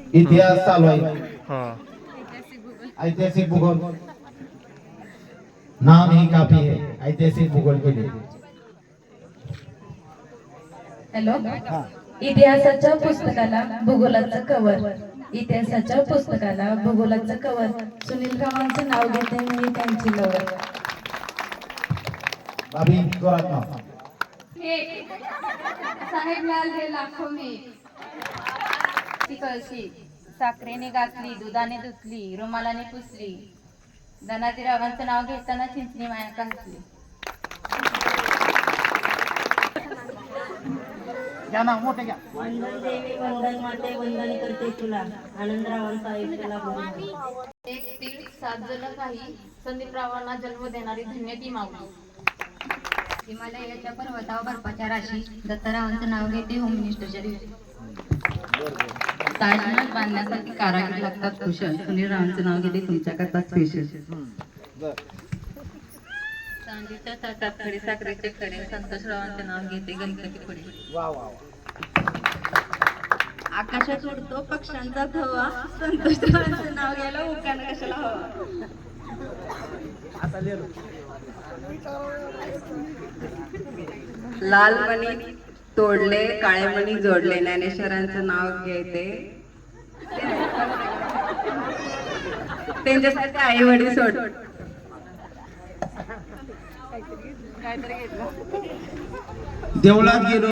इतिहास चालू आहे, हा ऐतिहासिक भूगोल नाम ही काफी है, ऐतिहासिक भूगोल के लिए। हॅलो, इतिहासाच्या पुस्तकाला भूगोलाचं कवर, इतिहासाच्या पुस्तकाला भूगोलाचं कवर, सुनील रावांचं नाव घेते मी त्यांची लवर. भाभी जोरात नाव. साहेब लाल हे लाखो में ती कळशी साखरेने घातली, दुधाने धुतली, रुमालाने पुसली, धनाजी रावांचं नाव घेताना चिंचणी माया घातली. घ्या ना, मोठे घ्या. वंदन देवी वंदन माते वंदन करते तुला, आनंदरावांचा आयुष्याला बोलू. एक तीळ सात जण काही संदीप रावांना जन्म देणारी धन्य ती माऊली. हिमालयाच्या पर्वतावर बर्फाच्या राशी, दत्तरावांचं नाव घेते होम मिनिस्टरच्या दिवशी. ताजमहल बांधण्यासाठी कारागीर लागतात कुशल, सुनील रावांचं नाव घेते तुमच्या करता स्पेशल. चांदीच्या ताटात खडे साखरेचे खडे, संतोष रावांचे नाव घेते गणपती पुढे. वा वा वा. आकाशात उडतो पक्ष्यांचा थवा, संतोष रावांचं नाव घ्यायला उकाना कशाला हवा. आता लिहिलं. लाल मणी तोडले काळे मणी जोडले, ज्ञानेश्वरांचं नाव घेते त्यांच्यासाठी आई वडील सोड. देवळात गेलो